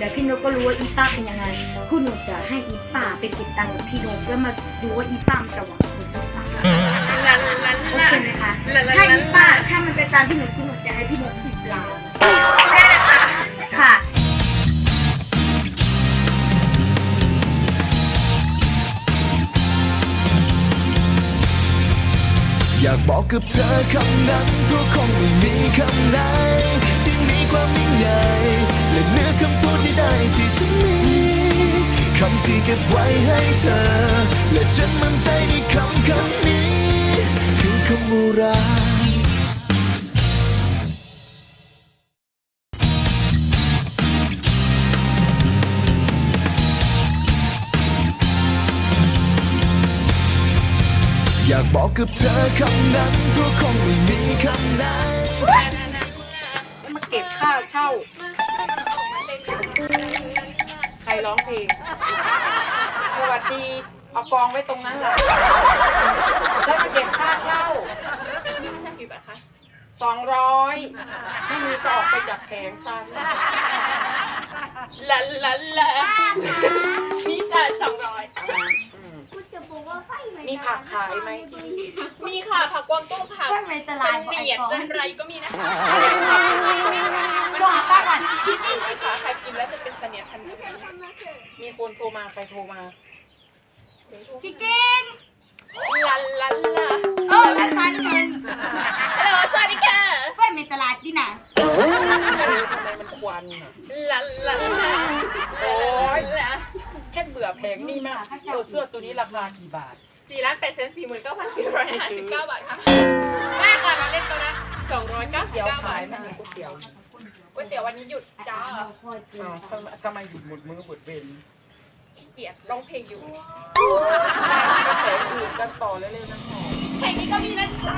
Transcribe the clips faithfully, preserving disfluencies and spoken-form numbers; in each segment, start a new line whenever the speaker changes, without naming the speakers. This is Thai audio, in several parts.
แล้วพี่นกก็รู้ว่าอีป้าเป็นยังไงคุณหนูจะให้อีป้าไปเก็บตังค์กับพี่นกแล้วมาดูว่าอีป้ามันจะหวังผลหรือเปล่าโอเคไหมคะถ้าอีป้าถ้ามันเป็นตามที่หนูคิดหนูจะให้พี่นกสิบล้านค่ะ
อยากบอกกับเธอคำนั้นเพราะคงไม่มีคำไหนที่มีความยิ่งใหญ่และเนื้อคำพูดใดๆที่ฉันมีคำที่เก็บไว้ให้เธอและฉันมั่นใจในคำคำนี้คือคำว่ารักอยากบอกกับเธอคำนั้นเพราะคงไม่มีคำไหน
มาเก็บค่าเช่าใครร้องเพลงสวัสดีเอากองไว้ตรงนั้นแหละแล้วมาเก็บค่าเช่ากี่บาทคะสองร้อยไม่มีก็ออกไปจากแผงซัน
ลันลันลันนี่จ่ายสองร้อย
มีผักขายไหมที่
มีค่ะผักกวางตุ้งค่ะ
ในตลาด
เนียดจันไรก็มีนะคะ
ว่าป้าก่อน
ที่จริงค่ะใครกินแล้วจะเป็นเสนียดพันธุ์
มีคนโทรมาใครโทรมา
พี่เก่ง
ลันลันล่ะ
เออแล้วฟันเงิน
ฮัลโหลสวัสดีค่ะ
ไฟในตลาดดิน่ะ
ทำไมมันควันอ่ะ
ลันลันล่ะ
โอ้ยแค่เบื่อแพงนี่มากตัวเสื้อตัวนี้ราคากี่บาท
สี่ล้านแปดแสนสี่หมื่นเก้าพันสี่ร้อยห้าสิบเก้าบาทค่ะได้ค่ะเราเล่นตัวนะสองร้อยเก้าสิบเก้าบาท
ไม่มีก๋วยเตี๋ยว
ก๋วยเตี๋ยววันนี้หยุดจ้า
ทำไมหยุดหมดมือหมดเวร
เกียดร้องเพลงอยู่
กระแสอื่นกันต่อเร็วๆนะหมอ
เพลงนี้ก็มีนะจ๊ะ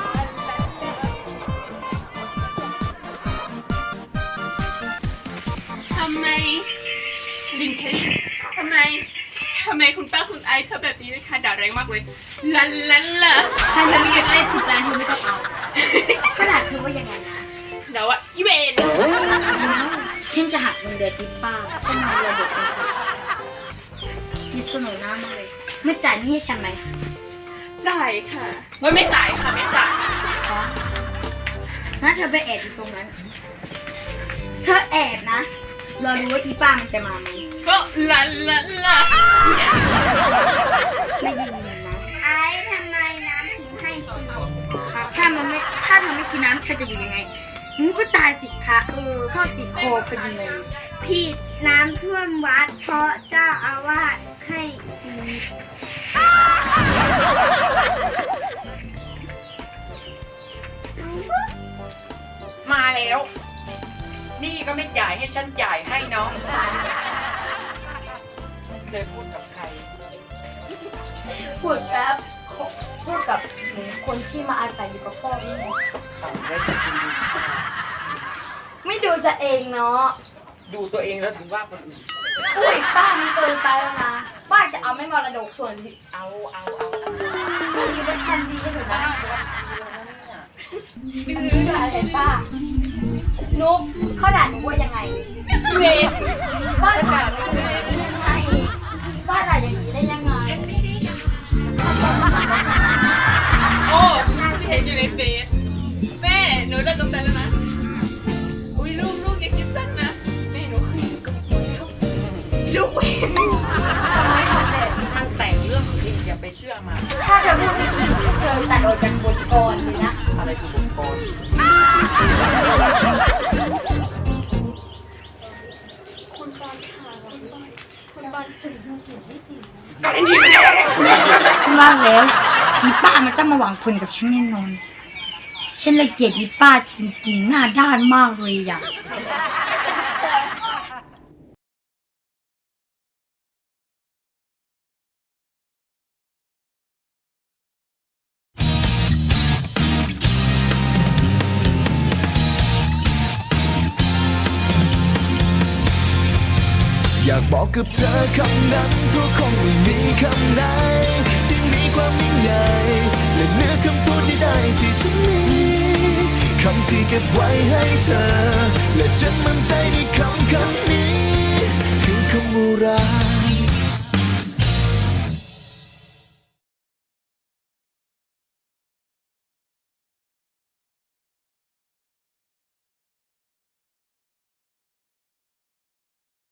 ทำไมลินเคยทำไมทำไมคุณป้าคุณไอเธอแบบนี้เลยค่ะด่าแรงมากเลยลันลันล่ะ
ถ้าเธอไม่อยากได้สิบล้านเธอไม่ต้องเอาขนาดเธอว่ายังไงนะ
เดี๋ยวอะอีเวน
ฉันจะหักเงินเดือนที่ป้าก็มาระบบเลยมีเสนอหน้ามากเลยไม่จ่ายนี่ให้ฉันไหม
จ่ายค่ะไม่ไม่จ่ายค่ะไม่จ่าย
ถ้าเธอไปแอบอยู่ตรงนั้นเธอแอบนะเรารู้ว่าอีป้ามันจะมาไหม
ก็ลันลันล่ะ
ไม่ยินนะไอ้ทำไมน้ำถึงให้กินถ้ามันไม่ถ้าเธอไม่กินน้ำเธอจะอยู่ยังไงมึงก็ตายสิคะเออเข้าติดคอพอดีเลยพี่น้ำท่วมวัดเพราะเจ้าอาวาสให้
มาแล้วนี่ก็ไม่จ่ายให้ฉันจ่ายให้น้องเลยพูดกับใคร
พูดครับพูดกับคนที่มาอาศัยอยู่กับพ่อนี่ไม่ดูตัวเองเนาะ
ดูตัวเองแล้วถึงว่าคนอื่น
อุ้ยป้ามันเกินไปแล้วนะป้าจะเอาไม่มรดกส่วน
เอาเอาเอา
เอาดีเป็นทันดีถูกไหมดื้ออะไรป้านุ๊กเขาด่าหนูว่ายังไง
เวท
ป้าด่าหนูว่ายังไงป้าด่าอย่างนี้ได้ยังไง
โอ้เห็นอยู่ในเฟซแม่หนูเลิกกับแฟนแล้วนะอุ้ยลูกลูกอย่าคิดสั้นนะแม่หนูเคยกับคนแล้วลูกเวท
มันแต่งเรื่องจริงอย่าไปเชื่อมา
ถ้าเธอพูดไม่จริงเธอตัดออกจากบทกรเลยนะ
อะไรคือบทกร
คุณบอลค่ะคุณบอลถึงเสียงไม่จริง
ก็ได้ยินว่างแล้วอีป้ามันต้องมาหวังผลกับฉันแน่นอนฉันเลยเกลียดอีป้าจริงๆหน้าด้านมากเลยอ่ะ
อยากบอกกับเธอคำนั้นเพราะคงไม่มีคำไหนที่มีความยิ่งใหญ่และเนื้อคำพูดใดๆที่ฉันมีคำที่เก็บไว้ให้เธอและฉันมั่นใจในคำคำนี้ำว่ารัก